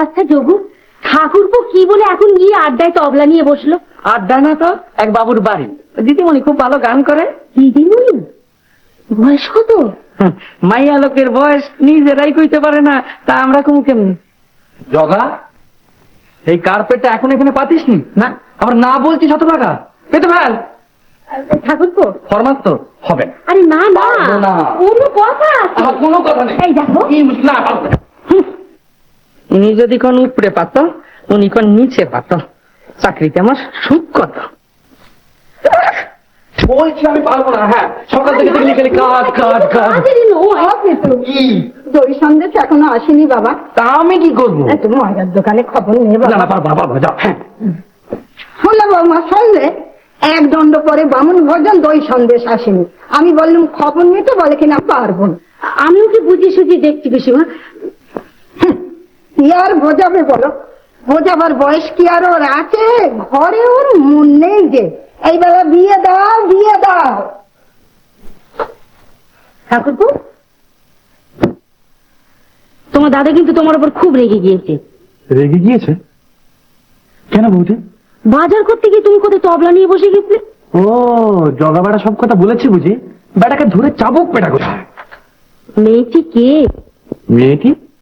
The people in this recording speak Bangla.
আচ্ছা যোগু, ঠাকুরপো কি বলে এখন গিয়ে আড্ডায় তবলা নিয়ে বসলো? আড্ডা না তো, এক বাবুর বাড়ি। দিদিমণি খুব ভালো গান করে। দিদিমণি? বয়স কত? মাইয়া লোকের বয়স নিজেরাই কইতে পারে না, তা আমরা কমু কেমনি? জগা, এই কার্পেটটা এখন এখানে পাতিস নি না? আবার না বলছি 100 টাকা পেতে ফেল। ঠাকুরপো ফরমাস তো হবে না। আরে না না, পারবো না। কোনো কথা আছে? আমার কোনো কথা নেই। এই দেখো, না, পারবো না। উনি যদি কোন উপরে পাত, উনি কোন নিচে পাত, চাকরিতে আমার সুখ কত। বলছি আমি পারবো না। হ্যাঁ, সকাল থেকে দেখলি খালি কাজ কাজ কাজ। দই সন্দেশ এখনো আসেনি বাবা। তা আমি কি করবো? তুমি ময়দার দোকানে খবর নিয়ে না না, পারবো পারবো, যাও। হ্যাঁ, শুনলে বৌমা, শুনলে? এক দণ্ড পরে বামুন ভোজন দই সন্দেশ আসেনি। আমি বললাম খবর নিতে, বলে কিনা পারবো না। আমিও কি বুঝি সুঝি দেখছি পিসিমা। কি আর বোঝাবে বলো? বোঝাবার বয়স কি আর ওর আছে? ঘরে ওর মন নেই যে এইবেলা বিয়ে দাও বিয়ে দাও। ঠাকুরপো, তোমার দাদা কিন্তু তোমার উপর খুব রেগে গিয়েছে। রেগে গিয়েছে কেন বৌদি? বাজার করতে গিয়ে তুমি কোথায় তবলা নিয়ে বসে গেছিলে? ও, জগা বেড়া সব কথা বলেছি বুঝি? বেটাকে ধরে চাবুক পেটা কোথায়? মেয়েটি কে? মেয়েটি